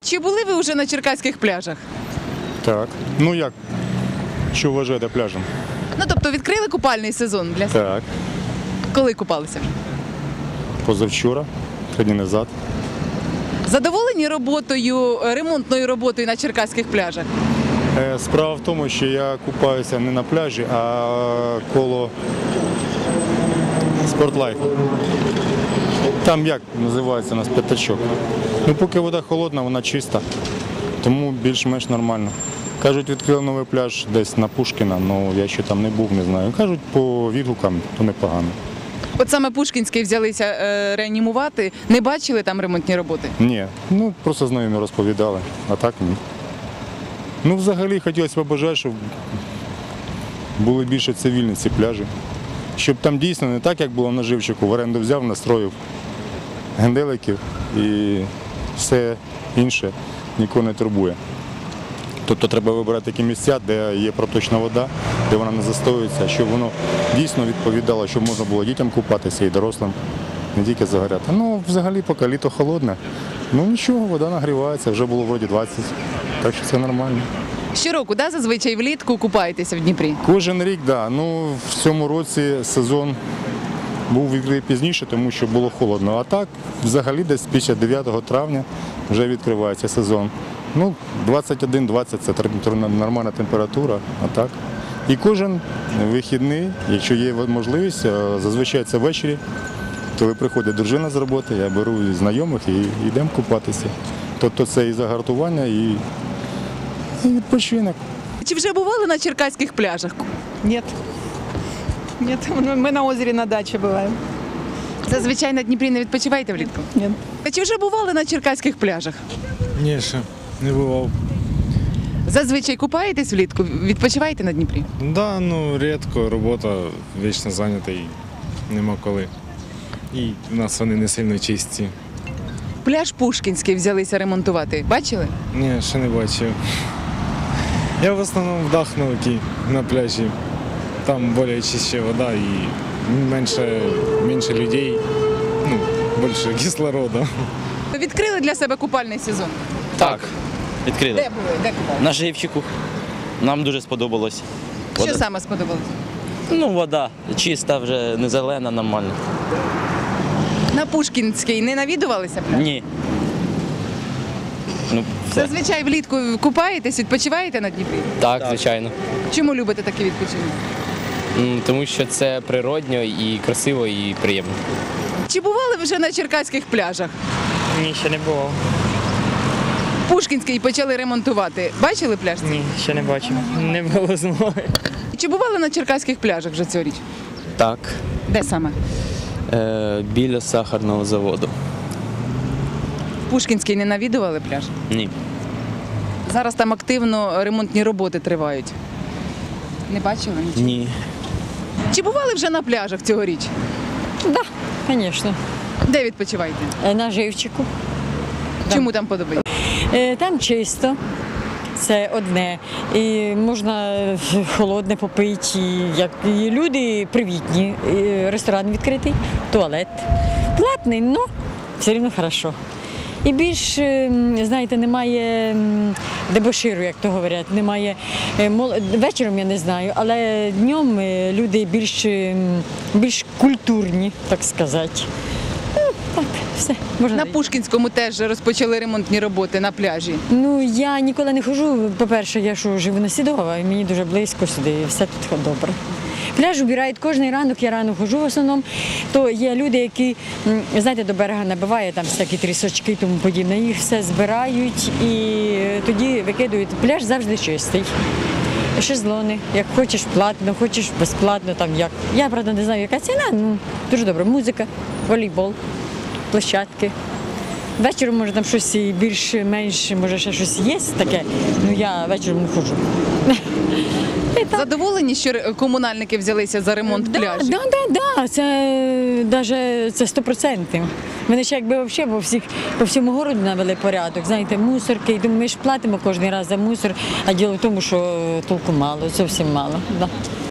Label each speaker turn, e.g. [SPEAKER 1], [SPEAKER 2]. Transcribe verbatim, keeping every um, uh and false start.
[SPEAKER 1] Чи були ви вже на черкаських пляжах?
[SPEAKER 2] Так. Ну як? Що вважаєте пляжем?
[SPEAKER 1] Ну, тобто відкрили купальний сезон для себе?
[SPEAKER 2] Так.
[SPEAKER 1] Коли купалися вже?
[SPEAKER 2] Позавчора, три дні назад.
[SPEAKER 1] Задоволені роботою, ремонтною роботою на черкаських пляжах?
[SPEAKER 2] Е, Справа в тому, що я купаюся не на пляжі, а коло Спортлайф. Там як називається у нас п'ятачок. Ну, поки вода холодна, вона чиста, тому більш-менш нормально. Кажуть, відкрили новий пляж десь на Пушкіна, але я ще там не був, не знаю. Кажуть, по відгукам, то непогано.
[SPEAKER 1] От саме Пушкінський взялися е, реанімувати. Не бачили там ремонтні роботи?
[SPEAKER 2] Ні, ну просто знайомі розповідали, а так ні. Ну, взагалі, хотілося б бажати, щоб були більше цивільні ці пляжі. Щоб там дійсно не так, як було на Живчику, в оренду взяв, настроїв генделиків і все інше нікого не турбує. Тобто треба вибирати такі місця, де є проточна вода, де вона не застоюється, щоб воно дійсно відповідало, щоб можна було дітям купатися і дорослим, не тільки загоряти. Ну, взагалі, поки літо холодне, ну нічого, вода нагрівається, вже було вроді двадцять, так що це нормально.
[SPEAKER 1] Щороку, да, зазвичай влітку купаєтеся в Дніпрі?
[SPEAKER 2] Кожен рік, так. Да. Ну, в цьому році сезон був відкритий пізніше, тому що було холодно. А так, взагалі, десь після дев'ятого травня вже відкривається сезон. Ну, двадцять один двадцять – це нормальна температура, а так. І кожен вихідний, якщо є можливість, зазвичай це ввечері, коли приходить дружина з роботи, я беру знайомих і йдемо купатися. Тобто це і загартування, і, і відпочинок.
[SPEAKER 1] Чи вже бували на черкаських пляжах?
[SPEAKER 3] Нет. Нет, мы на озере на даче бываем.
[SPEAKER 1] Зазвичай на Дніпрі не відпочиваєте влітку?
[SPEAKER 3] Нет.
[SPEAKER 1] А чи вже бували на черкаських пляжах?
[SPEAKER 4] Ні, ще не бував.
[SPEAKER 1] Зазвичай купаєтесь влітку, відпочиваєте на Дніпрі?
[SPEAKER 4] Да, ну рідко, робота вічно зайнята і нема коли. І в нас вони не сильно чисті.
[SPEAKER 1] Пляж Пушкінський взялися ремонтувати. Бачили?
[SPEAKER 4] Ні, ще не бачив. Я в основному в Дахновці на пляжі. Там більш чище вода і менше, менше людей, ну, більше кислороду.
[SPEAKER 1] Відкрили для себе купальний сезон?
[SPEAKER 5] Так, відкрили.
[SPEAKER 1] Де були? Де купали?
[SPEAKER 5] На Живчику. Нам дуже сподобалось.
[SPEAKER 1] Що
[SPEAKER 5] Вода-
[SPEAKER 1] саме сподобалось?
[SPEAKER 5] Ну, вода чиста, вже не зелена, нормально.
[SPEAKER 1] На Пушкінський не навідувалися пляж?
[SPEAKER 5] Ні. Ну, все.
[SPEAKER 1] Зазвичай влітку купаєтесь, відпочиваєте на Дніпрі?
[SPEAKER 6] Так, звичайно.
[SPEAKER 1] Чому любите такий відпочинок?
[SPEAKER 6] М, Тому що це природньо і красиво, і приємно.
[SPEAKER 1] Чи бували ви вже на черкаських пляжах?
[SPEAKER 7] Ні, ще не було.
[SPEAKER 1] Пушкінський почали ремонтувати. Бачили пляж?
[SPEAKER 7] Ні, ще не бачив. Не було змоги.
[SPEAKER 1] Чи бували на черкаських пляжах вже цьогоріч?
[SPEAKER 6] Так,
[SPEAKER 1] Де саме?
[SPEAKER 6] е, біля сахарного заводу.
[SPEAKER 1] Пушкінський не навідували пляж?
[SPEAKER 6] Ні.
[SPEAKER 1] Зараз там активно ремонтні роботи тривають. Не бачили нічого?
[SPEAKER 6] Ні.
[SPEAKER 1] Чи бували вже на пляжах цьогоріч?
[SPEAKER 8] Да, звісно.
[SPEAKER 1] Де відпочиваєте?
[SPEAKER 8] На Живчику.
[SPEAKER 1] Чому там подобається?
[SPEAKER 8] Е, Там чисто, це одне. І можна холодне попити. І, як, і люди привітні. І ресторан відкритий, туалет. Платний, але все одно хорошо. І більш, е, знаєте, немає м, дебоширу, як то говорять, немає е, мол- вечором я не знаю, але днем е, люди більш, е, більш культурні, так сказати. Ну, так, все, можна.
[SPEAKER 1] На
[SPEAKER 8] йти.
[SPEAKER 1] Пушкінському теж розпочали ремонтні роботи на пляжі.
[SPEAKER 8] Ну, я ніколи не ходжу. По-перше, я що, живу на Сідова, і мені дуже близько сюди, і все тут добре. Пляж убирають кожен ранок, я рано ходжу в основному, то є люди, які, м, знаєте, до берега набиває, там всякі трісочки і тому подібне, їх все збирають і тоді викидують. Пляж завжди чистий. Шезлони, як хочеш платно, хочеш безплатно, там як. Я, правда, не знаю, яка ціна, ну, дуже добре. Музика, волейбол, площадки. Вечором, може, там щось і більш-менш, може, ще щось є таке, ну я вечором не ходжу.
[SPEAKER 1] Задоволені, що ре- комунальники взялися за ремонт
[SPEAKER 8] Да,
[SPEAKER 1] пляжів?
[SPEAKER 8] да, да, да, це даже це сто процентів. Вони ще якби взагалі по всіх по всьому городу навели порядок. Знаєте, мусорки. І думаю, ми ж платимо кожен раз за мусор, а діло в тому, що толку мало, зовсім мало. Да.